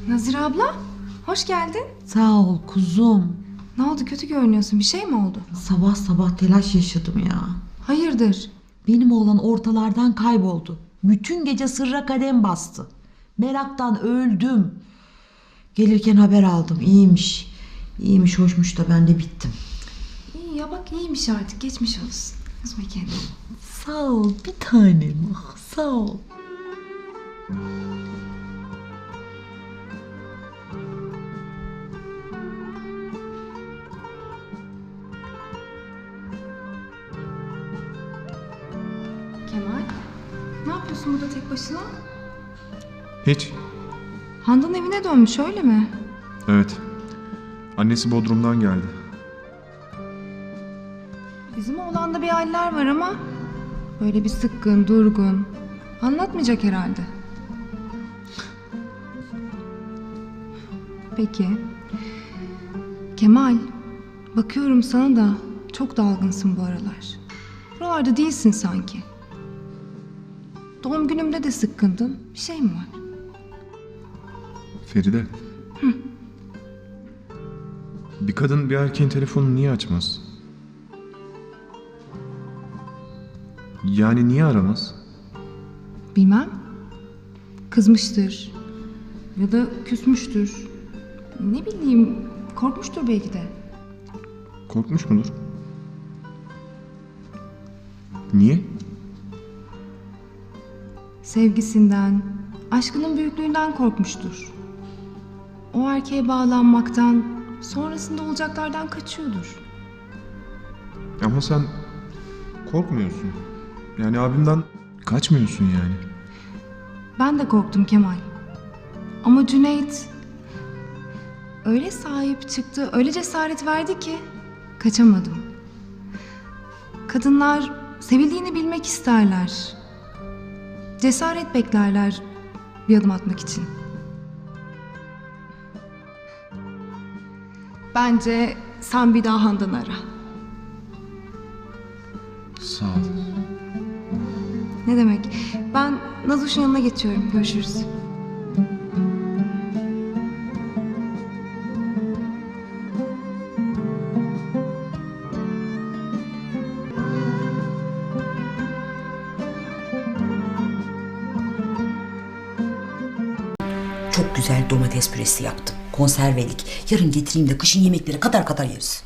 Nazire abla, hoş geldin. Sağ ol kuzum. Ne oldu, kötü görünüyorsun, bir şey mi oldu? Sabah sabah telaş yaşadım ya. Hayırdır? Benim oğlan ortalardan kayboldu. Bütün gece sırra kadem bastı. Meraktan öldüm. Gelirken haber aldım. İyiymiş. İyiymiş, hoşmuş da ben de bittim. İyi ya, bak iyiymiş artık, geçmiş olsun. Üzme kendini. Sağ ol bir tanem. Ah, sağ ol. Kemal, ne yapıyorsun burada tek başına? Hiç. Handan evine dönmüş, öyle mi? Evet. Annesi Bodrum'dan geldi. Bizim oğlanda bir haller var ama böyle bir sıkkın, durgun. Anlatmayacak herhalde. Peki. Kemal, bakıyorum sana da çok dalgınsın bu aralar. Buralarda değilsin sanki. Doğum günümde de sıkkındın. Bir şey mi var? Feride. Bir kadın bir erkeğin telefonunu niye açmaz? Yani niye aramaz? Bilmem. Kızmıştır. Ya da küsmüştür. Ne bileyim, korkmuştur belki de. Korkmuş mudur? Niye? Sevgisinden, aşkının büyüklüğünden korkmuştur. O erkeğe bağlanmaktan, sonrasında olacaklardan kaçıyordur. Ama sen korkmuyorsun. Yani abimden kaçmıyorsun yani. Ben de korktum Kemal. Ama Cüneyt öyle sahip çıktı, öyle cesaret verdi ki kaçamadım. Kadınlar sevildiğini bilmek isterler. Cesaret beklerler bir adım atmak için. Bence sen bir daha Handan'ı ara. Sağ ol. Ne demek? Ben Nazoş'un yanına geçiyorum. Görüşürüz. Çok güzel domates püresi yaptım. Konservelik. Yarın getireyim de kışın yemekleri kadar kadar yeriz.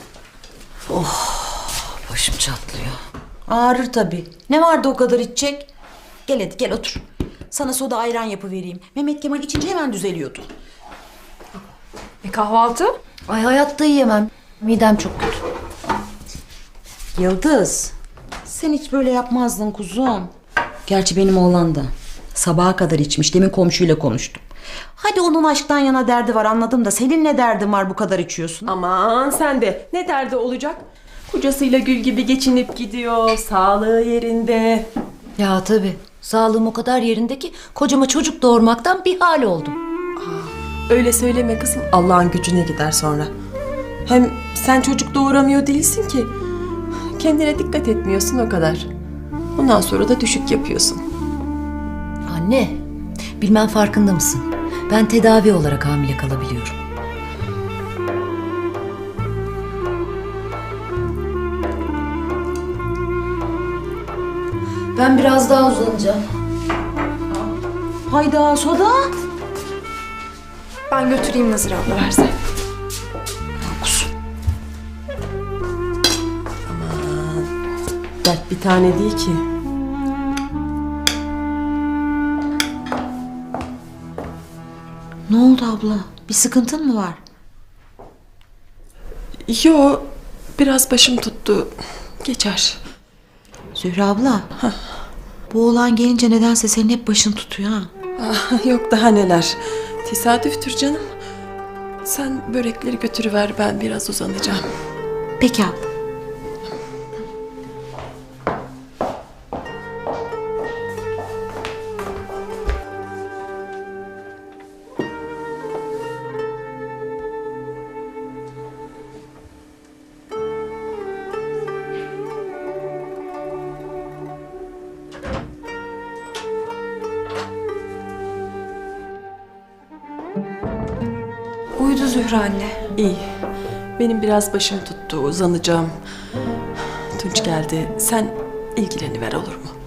Başım çatlıyor. Ağrır tabii. Ne vardı o kadar içecek? Gel hadi gel otur. Sana soda ayran yapıvereyim. Mehmet Kemal içince hemen düzeliyordu. Kahvaltı? Ay hayatta yiyemem. Midem çok kötü. Yıldız. Sen hiç böyle yapmazdın kuzum. Gerçi benim oğlan da. Sabaha kadar içmiş. Demin komşuyla konuştum. Hadi onun aşktan yana derdi var anladım da senin ne derdin var bu kadar içiyorsun? Aman sen de ne derdi olacak? Kocasıyla gül gibi geçinip gidiyor. Sağlığı yerinde. Ya tabii. Sağlığım o kadar yerinde ki kocama çocuk doğurmaktan bir hal oldum. Öyle söyleme kızım. Allah'ın gücüne gider sonra. Hem sen çocuk doğuramıyor değilsin ki. Kendine dikkat etmiyorsun o kadar. Ondan sonra da düşük yapıyorsun. Anne, bilmem farkında mısın? Ben tedavi olarak hamile kalabiliyorum. Ben biraz daha uzanacağım. Hayda soda. Ben götüreyim Nazire abla, versen. Dert bir tane değil ki. Ne oldu abla? Bir sıkıntın mı var? Yo, biraz başım tuttu. Geçer. Zühre abla. Bu oğlan gelince nedense senin hep başın tutuyor ha. Yok daha neler. Tesadüftür canım. Sen börekleri götürüver, ben biraz uzanacağım. Peki abla. kötü Zühre anne? İyi. Benim biraz başım tuttu, uzanacağım. Tunç geldi. Sen ilgileniver olur mu?